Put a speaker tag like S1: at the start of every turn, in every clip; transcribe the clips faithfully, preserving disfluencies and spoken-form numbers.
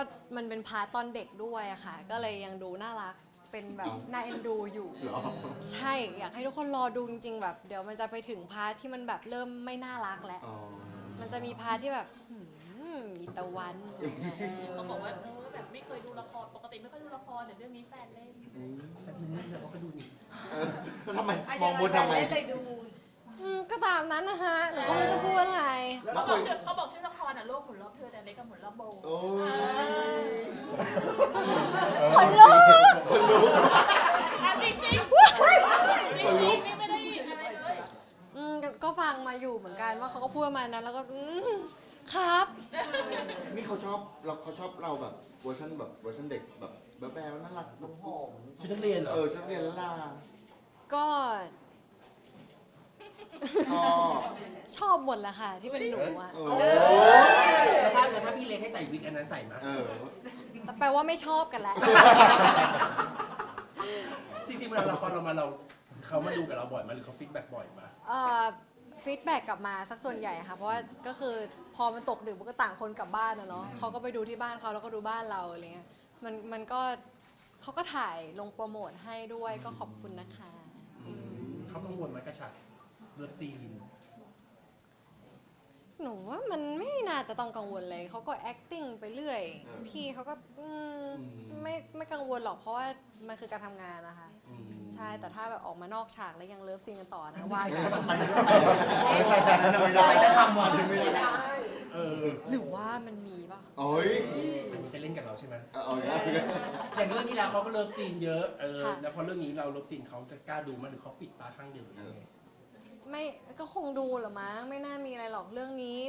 S1: มันเป็นพาร์ตตอนเด็กด้วยอะค่ะก็เลยยังดูน่ารักเป็นแบบน่าเอ็นดูอยู่ใช่อยากให้ทุกคนรอดูจริงๆแบบเดี๋ยวมันจะไปถึงพาร์ทที่มันแบบเริ่มไม่น่ารักแล้วมันจะมีพาร์ทที่แบบหืมมีตะวัน
S2: เขาบอกว่าเออแบบไม่เคยดูละครปกติไม่ค่อยดูละครแต่เรื่องนี้แฟนเล่น
S3: แต่ทีนี้เราก็ดูนี่
S4: ทำไมมองบนทำไม
S1: เลยดูอืมก็ตามนั้นนะฮะหนูก็ไม่รู้จะพูดอะไร
S2: เขาบอกชื่อเขาบอกชื่อละครอ่ะโลกหมุนรอบเธอแต่เล็กกับหมุนรอบโบ
S4: โอ้ย
S1: คนลุก
S4: คนรู้
S2: จริงจริงจริงจริงนี่ไม่ได้อะไรเลย
S1: อืมก็ฟังมาอยู่เหมือนกันว่าเขาก็พูดประมาณนั้นแล้วก็อืมครับ
S4: นี่เขาชอบเราเขาชอบเราแบบเวอร์ชันแบบเวอร์ชันเด็กแบบแบบแบบน่ารักแบบหอม
S3: ชุดนักเรียนเหรอ
S4: เออชุดเรียนละลา
S1: ก็
S4: ชอบ
S1: ชอบหมดแหละค่ะที่เป็นหนูอะ
S4: เอ
S3: แล้วถ้าแล้วถ้าพี่เล็กให้ใส่วิกอันนั้นใส่ไหม
S4: เออ
S1: แต่แปลว่าไม่ชอบกันแหละ
S3: จริงๆเวลาละครเรามาเราเขามาดูกับเราบ่อยไหมาหรือเขาฟีดแบ็กบ่อยมา
S1: เอ่อฟีดแบ็กกลับมาสักส่วนใหญ่ค่ะ เพราะว่าก็คือพอมันตกดึกมันก็ต่างคนกลับบ้านนะเนาะเขาก็ไปดูที่บ้านเขาแล้วก็ดูบ้านเราอะไรเงี้ยมันมันก็เขาก็ถ่ายลงโปรโมทให้ด้วยก็ขอบคุณนะคะ
S3: เขากังวลไหมกระชับเลิฟซีน
S1: หนูว่ามันไม่น่าจะต้องกังวลเลยเขาก็ acting ไปเรื่อย
S4: เออ
S1: พี่เขาก็อืม
S3: อืม
S1: ไม่ไม่กังวลหรอกเพราะว่ามันคือการทำงานนะคะ
S3: อืม
S1: ใช่แต่ถ้าแบบออกมานอกฉากแล้วยังเลิฟซีนกันต่อนะว่ากัน
S4: มันไม่ใช่แต่นั้นไม่ได้จะทำวันไม่ได้
S3: เออ
S1: หรือว่ามันมีป่ะ
S4: โอ้ย
S3: อันนี้จะเล่นกับเราใช่ไหม
S4: เอาเอาอย่างนี้
S3: อย่างเรื่องที่แล้วเขาก็เลิฟซีนเยอะเออแล้วพอเรื่องนี้เราเลิฟซีนเขาจะกล้าดูมั้ยหรือเขาปิดตาข้างเดียวหรือยังไง
S1: ไม่ก็คงดูเหรอมั้งไม่น่ามีอะไรหรอกเรื่องนี้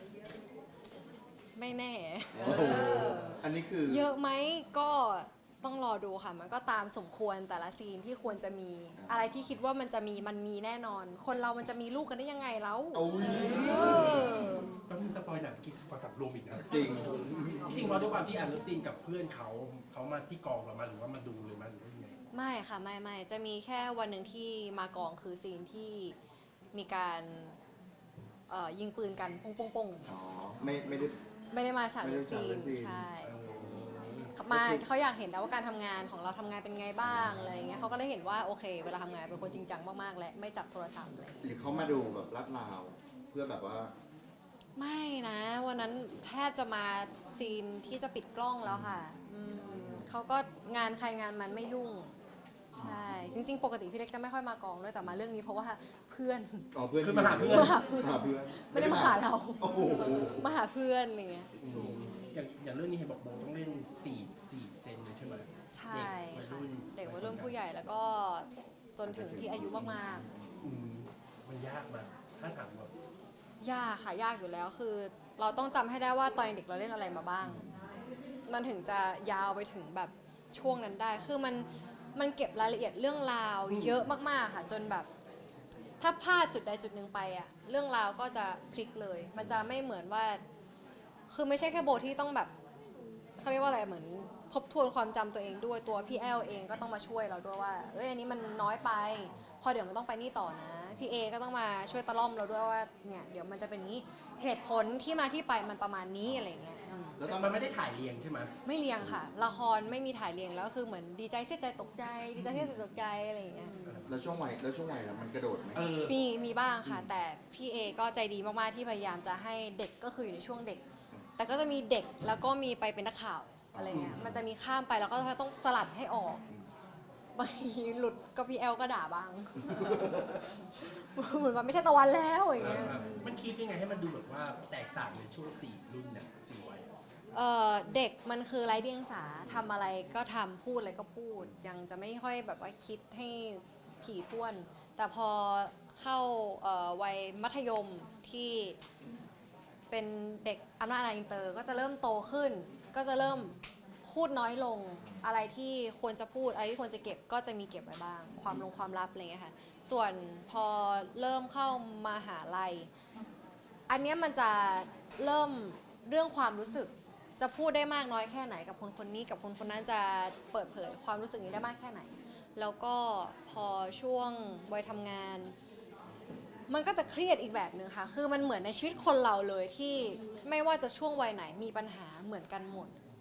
S1: ไม่แน่
S4: โอ้โหอันนี้คือ
S1: เยอะไหมก็ต้องรอดูค่ะ มันก็ตามสมควรแต่ละซีนที่ควรจะมี อะไรที่คิดว่ามันจะมีมันมีแน่นอน คนเรามันจะมีลูกกันได้ยังไงแล้ว
S4: โอ้ย
S1: เออ
S3: ก็มีสปอยหนังกินสปอยสับรวมอีกนะ
S4: จริง
S3: จริงๆว่าด้วยความที่อ่านเลิฟซีนกับเพื่อนเขาเขามาที่กองเรามาหรือว่ามาดูเลยมาหรือว่ายังไง
S1: ไม่ค่ะไม่ไม่จะมีแค่วันหนึ่งที่มากองคือซีนที่มีการเอ่อยิงปืนกันปงปงปง
S4: อ๋อ ไม่ไม่ได้
S1: ไม่ได้มาฉาก
S4: ไม่
S1: เลิ
S4: ได้
S1: ฟซี
S4: ฉากเลิ
S1: น
S4: ฟซีน
S1: ใช่
S3: เออ
S1: มาเขาอยากเห็นแล้วว่าการทำงานของเราทำงานเป็นไงบ้างอะไรอย่างเงี้ยเขาก็ได้เห็นว่าโอเค เวลาทำงานเป็นคนจริงจังมากๆและไม่จับโทรศัพท์อะไรอย่างเลย
S4: หรือเขามาดูแบบลาดราว เพื่อแบบว่า
S1: ไม่นะวันนั้นแทบจะมาซีนที่จะปิดกล้องแล้วค่ะอืมเขาก็งานใครงานมันไม่ยุ่งใช่จริงๆ ปกติพี่เล็กจะไม่ค่อยมากองด้วยแต่มาเรื่องนี้เพราะว่าเพื่อน
S4: อ๋อเพื่อน
S3: คือมาหาเพื่อน
S1: มาหาเพื่อน
S4: มาหาเพื่อน
S1: ไม่ได้มาหาเรา
S4: โอ้โห
S1: มาหาเพื่อนอะไรเงี้ย
S3: อย่างอย่างเรื่องนี้เห็นบอกโบต้องเล่นสี่สี่เจนเลยใช่ไหม
S1: ใช่ค่ะเด็กวัยรุ่นผู้ใหญ่แล้วก็จนถึงที่อายุมากๆ
S3: อืมมันยากมากถ้าถามแบบ
S1: ยากค่ะยากอยู่แล้วคือ เราต้องจำให้ได้ว่าตอนเด็กเราเล่นอะไรมาบ้าง มันถึงจะยาวไปถึงแบบช่วงนั้นได้ คือมันมันเก็บรายละเอียดเรื่องราวเยอะมากๆค่ะจนแบบ ถ้าพลาดจุดใดจุดหนึ่งไปอะเรื่องราวก็จะพลิกเลย มันจะไม่เหมือนว่า คือไม่ใช่แค่โบที่ต้องแบบเขาเรียกว่าอะไรเหมือนทบทวนความจำตัวเองด้วยตัวพี่แอลเองก็ต้องมาช่วยเราด้วยว่าเอ้ยอันนี้มันน้อยไป พอเดี๋ยวมันต้องไปนี่ต่อนะพี่เอก็ต้องมาช่วยตะล่อมเราด้วยว่าเนี่ยเดี๋ยวมันจะเป็นนี้เหตุผลที่มาที่ไปมันประมาณนี้อะไรเงี้ยอืม
S4: แล้วตอน
S3: มันไม่ได้ถ่ายเรียงใช่ไหม
S1: ไม่เรียงค่ะ ละครไม่มีถ่ายเรียงแล้วคือเหมือนดีใจเสียใจตกใจ ดีใจเสียใจตกใจอะไรอย่างเงี้ย
S4: แล้วช่วงวัยแล้วช่วงวัยแล้วมันกระโดดไหม
S3: เออ
S1: มีมีบ้างค่ะ แต่พี่เอก็ใจดีมากๆที่พยายามจะให้เด็กก็คืออยู่ในช่วงเด็ก แต่ก็จะมีเด็กแล้วก็มีไปเป็นนักข่าวอะไรเงี้ยมันจะมีข้ามไปแล้วก็ต้องสลัดให้ออกบางทีหลุดก็พี่แอลก็ด่าบ้าง เหมือนว่าไม่ใช่ตะวันแล้วอย่างเงี้ย
S3: มันคิดยังไงให้มันดูแบบว่าแตกต่างในช่วงสี่รุ่นเนี่ยสี่วัย
S1: เอ่อเด็กมันคือไร้เดียงสาทำอะไรก็ทำพูดอะไรก็พูด ยังจะไม่ค่อยแบบว่าคิดให้ถี่ถ้วน แต่พอเข้าเอ่อวัยมัธยมที่เป็นเด็กอำนาจอาณาอินเตอร์ก็จะเริ่มโตขึ้น ก็จะเริ่มพูดน้อยลงอะไรที่ควรจะพูดอะไรที่ควรจะเก็บก็จะมีเก็บไว้บ้าง ความลงความลับอะไรเงี้ยค่ะส่วนพอเริ่มเข้ามาหาลัย อันเนี้ยมันจะเริ่มเรื่องความรู้สึก จะพูดได้มากน้อยแค่ไหนกับคนคนนี้กับคนคนนั้นจะเปิดเผยความรู้สึกนี้ได้มากแค่ไหน แล้วก็พอช่วงวัยทำงาน มันก็จะเครียดอีกแบบหนึ่งค่ะ คือมันเหมือนในชีวิตคนเราเลยที่ไม่ว่าจะช่วงวัยไหนมีปัญหาเหมือนกันหมด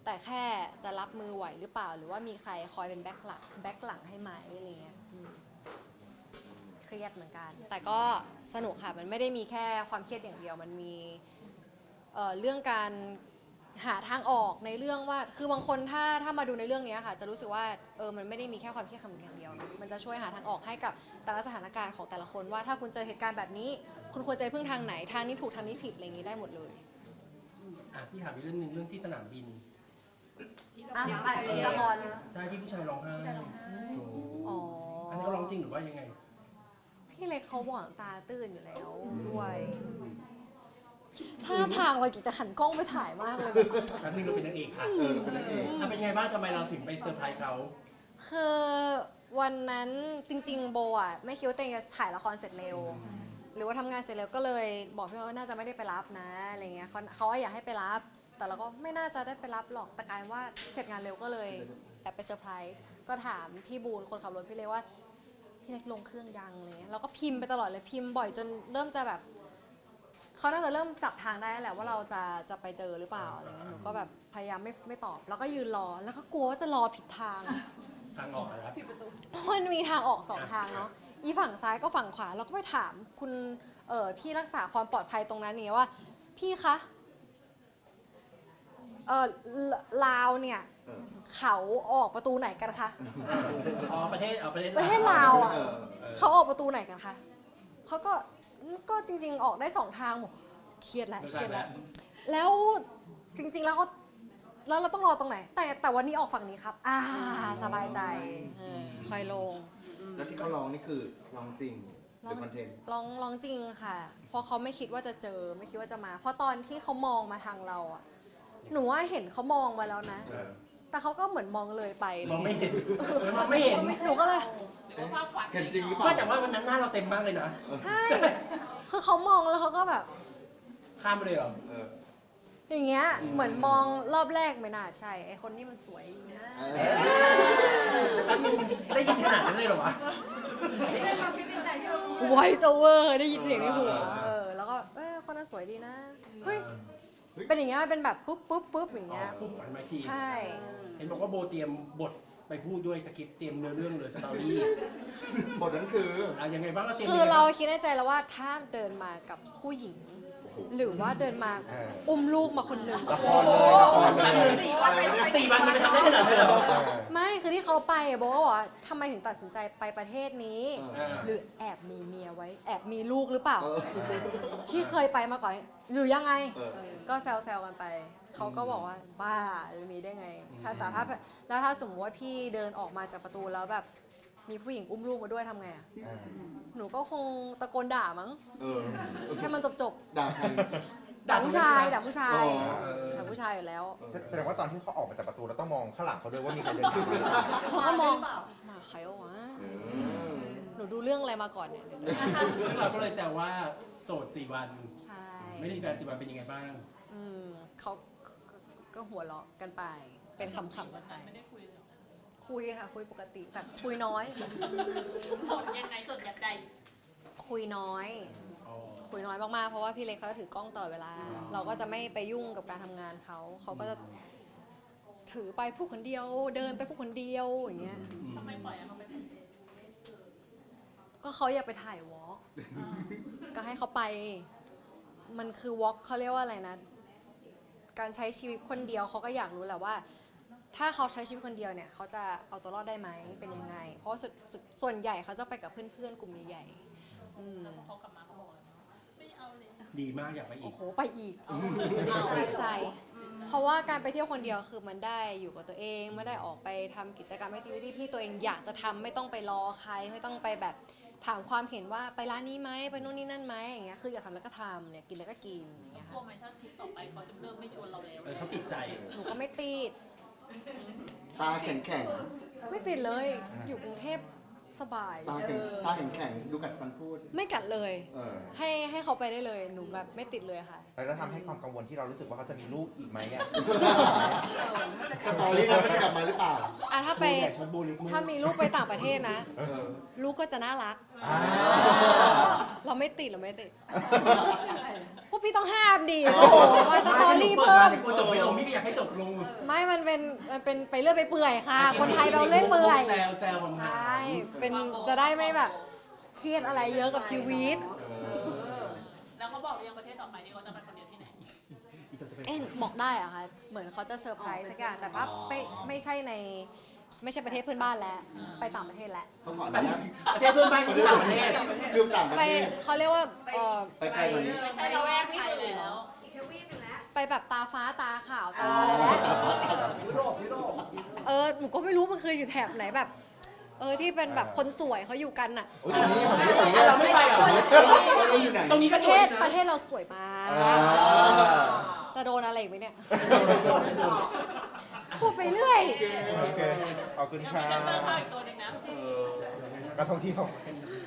S1: แต่แค่จะรับมือไหวหรือเปล่า หรือว่ามีใครคอยเป็นแบ็คหลังแบ็คหลังให้ไหมอะไรเงี้ยอืมเครียดเหมือนกัน แต่ก็สนุกค่ะมันไม่ได้มีแค่ความเครียดอย่างเดียวมันมีเอ่อเรื่องการหาทางออกในเรื่องว่าคือบางคนถ้าถ้ามาดูในเรื่องนี้ค่ะจะรู้สึกว่าเออมันไม่ได้มีแค่ความเครียดคำอย่างเดียวนะมันจะช่วยหาทางออกให้กับแต่ละสถานการณ์ของแต่ละคนว่าถ้าคุณเจอเหตุการณ์แบบนี้ คุณควรจะพึ่งทางไหนทางนี้ถูกทางนี้ผิดอะไรอย่างนี้ได้หมดเลย
S3: อ่ะพี่ถามอีกเรื่องหนึงเรื่องที่สนามบิน
S1: อ่ะอ่ะมีละคร
S3: ใช่ที่ผู้ชายร้องไห้
S1: อ๋อ
S3: อันนี้เขาร้องจริงหรือว่ายังไง
S1: พี่เล็กเขาหวานตาตื้นอยู่แล้วด้วยท่าทางเรากิจจะหันกล้องไปถ่ายมากเลย
S3: แป๊บนึงเราเป็นนางเอกค่ะ
S4: เออเราเป็นนางเอก
S3: อ่ะเป็นไงบ้างทำไมเราถึงไปเซอร์ไพรส์เขา
S1: คือวันนั้นจริงๆโบอ่ะไม่คิดว่าตัวเองจะถ่ายละครเสร็จเร็ว หรือว่าทำงานเสร็จเร็วก็เลยบอกพี่ว่าน่าจะไม่ได้ไปรับนะอะไรเงี้ยเขาเขาอยากให้ไปรับ แต่เราก็ไม่น่าจะได้ไปรับหรอกแต่กลายว่าเสร็จงานเร็วก็เลยแอบไปเซอร์ไพรส์ก็ถามพี่บูนคนขับรถพี่เล็กว่าพี่เล็กลงเครื่องยังอะไรเลยเราก็พิมพ์ไปตลอดเลยพิมพ์บ่อยจนเริ่มจะแบบเขาน่าจะเริ่มจับทางได้แหละว่าเราจะจะไปเจอหรือเปล่าอะไรเงี้ยหนูก็แบบพยายามไม่ไม่ตอบ แล้วก็ยืนรอแล้วก็กลัวว่าจะรอผิดทาง
S3: ทางออกนะครับ
S1: เพราะมันมีทางออกสองทางเนาะ อีฝั่งซ้ายก็ฝั่งขวา เราก็ไปถามคุณเออพี่รักษาความปลอดภัยตรงนั้นเนี่ยว่า พี่คะ เออลลาวเนี่ย
S4: เออ
S1: เขาออกประตูไหนกันคะ
S3: อ๋อประเทศเอาประเทศ
S1: ประเทศลาวอ่ะ
S4: เออ
S1: เขาออกประตูไหนกันคะ เขาก็ก็จริงๆออกได้สองทางหมดเครียดแล้ว
S3: ไม่
S1: เครียด
S3: ได้แล้
S1: แล้ว ว แล้วจริงๆแล้วเขาแล้วเราต้องรอตรงไหน แต่แต่วันนี้ออกฝั่งนี้ครับ อ่าสบายใจเออค่อยลง
S4: แล้วที่เขาร้องนี่คือร้องจริงหรือคอนเทนต์
S1: ร้องร้องจริงค่ะ เพราะเขาไม่คิดว่าจะเจอไม่คิดว่าจะมา เพราะตอนที่เขามองมาทางเราอะหนูว่าเห็นเขามองมาแล้วนะ
S3: เออ
S1: แต่เขาก็เหมือนมองเลยไปเล
S3: มอง
S1: ย
S3: ไม่เห็นเออมองไม่เห็น
S1: หนูก็เลย
S2: หรือว่าภาพฝัน
S4: เห็นจริงหรือเปล่า
S3: ว่าแต่ว่าวันนั้นหน้าเราเต็มมากเลยนะ
S1: ใช่ คือเขามองแล้วเขาก็แบบ
S3: ข้ามไปเลยเหรอ
S4: เออ
S1: อย่างเงี้ย เหมือนมองรอบแรกไม่น่าใช่ ไอคนนี้มันสวยอยู่นะ
S4: เอ
S3: แป๊บนึงได้ยินขนาดนั้นเลยเหรอวะ
S1: ไวโอเวอร์ได้ยินเสียงในหัว เออ แล้วก็ เออคนนั้นสวยดีนะ เฮ้ย เป็นอย่างเงี้ย เป็นแบบปุ๊บปุ๊บปุ๊บอย่างเงี้ย
S3: คู่ฝันมาที
S1: ใช่
S3: เห็นบอกว่าโบเตรียมบทไปพูดด้วยสคริปต์เตรียมเนื้อเรื่องเลยสตอรี่
S4: บทนั้นคือ
S3: อ่ะยังไงบ้างเราเตรียม
S1: คือ
S3: ยังไง
S1: เรา
S3: บ้าง
S1: คิดในใจแล้วว่าถ้าเดินมากับผู้หญิง
S4: โอ้โห
S1: หรือว่าเดินมา
S5: เออ
S1: อุ้มลูกมาคนหนึ่ง
S5: ละครเลยละครเลย
S2: สี่วันไป
S3: สี่วันมันไปทำได้ขนาดนั้นเลยเหรอ
S1: ไม่คือที่เขาไปอะโบก็บอกว่าทำไมถึงตัดสินใจไปประเทศนี้
S4: เออ
S1: หรือแอบมีเมียไว้ แอบมีลูกหรือเปล่า
S4: เออ
S1: ที่เคยไปมาก่อนหรือยังไง
S4: เออ
S1: ก็แซวๆกันไป เขาก็บอกว่าบ้าจะมีได้ไง ถ้าแต่ถ้าแล้วถ้าสมมติว่าพี่เดินออกมาจากประตูแล้วแบบมีผู้หญิงอุ้มลูกมาด้วยทำไงอะ
S5: เออ
S1: หนูก็คงตะโกนด่ามั้ง
S4: เออ
S1: ให้มันจบ
S4: ด่าใคร
S1: ๆด่าผู้ชายด่าผู้ชาย
S4: อ๋อ
S1: ด่าผู้ชายอยู่แล้ว
S5: แสดงว่าตอนที่เขาออกมาจากประตูเราต้องมองข้างหลังเขาด้วยว่ามีใครเดินผ่านมา
S1: เขาก็มองมาใครวะ
S4: เออ
S1: หนูดูเรื่องอะไรมาก่อนเนี่ย
S3: ซึ่งเราก็เลยแซวว่าโสดสี่วัน
S1: ใช่
S3: ไม่มีแฟนสี่วันเป็นยังไงบ้าง
S1: อืมเขาก็ก็หัวเราะกันไป เป็นคำๆกันไป
S2: ไม่ได้คุยเลยเหรอ
S1: คุยค่ะ คุยปกติ แต่คุยน้อย
S2: สดยังไงสดแบบใด
S1: คุยน้อย
S3: อ๋อ
S1: คุยน้อยมากๆ เพราะว่าพี่เล็กเขาจะถือกล้องตลอดเวลา เราก็จะไม่ไปยุ่งกับการทำงานเขา เขาก็จะถือไปผู้คนเดียว เดินไปผู้คนเดียวอย่างเงี้ย
S2: ทำไมปล่อยอะเขาไป
S1: ก็เขาอยากไปถ่ายวอล์ก
S2: อ่า
S1: ก็ให้เขาไป มันคือวอล์กเขาเรียกว่าอะไรนะ การใช้ชีวิตคนเดียวเขาก็อยากรู้แหละว่า ถ้าเขาใช้ชีวิตคนเดียวเนี่ยเขาจะเอาตัวรอดได้ไหมเป็นยังไง เพราะว่าส่วนส่วนส่วนใหญ่เขาจะไปกับเพื่อนๆกลุ่มใหญ่ๆอืม
S2: แล้วพอเขากลับมาเขาบอกอะไรไม่เอาเลย
S3: ดีมากอยากไปอี
S1: โอ้
S3: ก
S1: โหไปอีกติดใจ เพราะว่าการไปเที่ยวคนเดียวคือมันได้อยู่กับตัวเองไม่ได้ออกไปทำกิจกรรมแอคทิวิตี้ที่ตัวเองอยากจะทำไม่ต้องไปรอใคร ไม่ต้องไปแบบถามความเห็นว่าไปร้านนี้ไหมไปนู่นนี่นั่นไหมอย่างเงี้ยคืออยากทำแล้วก็ทำเนี่ยกินแล้วก็กินอย่างเงี้ย
S2: กลัว
S1: ค่ะ
S2: ไหมถ้าทริปต่อไปเขาจะเริ่มไม่ชวนเราแล้ว
S3: เออเขาติดใจ
S1: หนูก็ไม่ติด
S4: ตาแข็งแข็ง
S1: ไม่ติดเลยอยู่กรุงเทพสบาย
S4: ตาแข็งตาแข็งแข็งดูกัดฟันพูด
S1: ไม่กัดเลย
S4: เออ
S1: ให้ให้เขาไปได้เลยหนูแบบไม่ติดเลยค่ะ
S5: แล้วจะทำให้ความกังวลที่เรารู้สึกว่าเขาจะมีลูกอีกไหมอ่ะ
S4: สตอรี่นั้นมันจะกลับมาหรือเปล่า
S1: อ่ะถ้าไป
S3: ใหญ่ชนบุรี
S1: ถ้ามีลูกไปต่างประเทศนะ
S4: เออ
S1: ลูกก็จะน่ารัก
S4: เ
S5: อ่า
S1: เราไม่ติดเราไม่ติด พวกพี่ต้องห้ามดิโอ้โหมาสตอรี่
S3: เปิด
S1: เพิ่
S3: มาม เนี่ยกลัวจบไม่ลงพี่ก็อยากให้จบลง
S1: ไม่ มันเป็น มันเป็นไปเรื่อยไปเปื่อยค่ะ คนไทยเราเล่นเปื่อย
S3: แซวแซวผม
S1: ใช่ เป็นจะได้ไม่แบบเครียดอะไรเยอะกับชีวิต
S2: แล้วเขาบอกหรือยังประเทศต่อไปที่เขาจะไปคนเดียวที่ไหน
S1: เอ๊ะบอกได้เหรอะคะ เหมือนเขาจะเซอร์ไพรส์สักอย่าง แต่ว่าไม่ไม่ใช่ใน ไม่ใช่ประเทศเพื่อนบ้านแล้ว ไปต่างประเทศแล้ว
S4: เขาขออนุญาต
S3: ประเทศเพื่อนบ้านคือต่างประเทศ
S4: คือต่างประ
S1: ไป
S4: เทศ
S1: เขาเรียกว่าเออ
S4: ไปไกลกว่านี้
S2: ไม่ใช่เราแวกไทยแล้ว
S1: ไปแบบตาฟ้าตาขาวตาอะไรแล้วเออ หนูก็ไม่รู้มันคืออยู่แถบไหนแบบ เออ ที่เป็นแบบคนสวยเขาอยู่กันน่ะ
S5: โอ้ยตรงนี้ตรงนี้ตรงนี้
S3: เราไม่ไปเหรอ
S4: เราอยู่ไหน
S3: ตรงนี้
S1: ป
S3: ก็
S1: ระ
S3: ส
S1: เท
S3: วย
S1: ศ
S3: นะ
S1: ประเทศเราสวยมาก
S4: อ่า
S1: จะโดนอะไรอีกไหมเนี่ย พูดไปเรื่อย
S5: โอเคขอบคุณ
S2: ยัง
S5: ค่ะ
S2: มีเซนเตอร์เข้าอีกตัวหนึ่งนะ
S4: เออ
S5: การท่องเที่ยว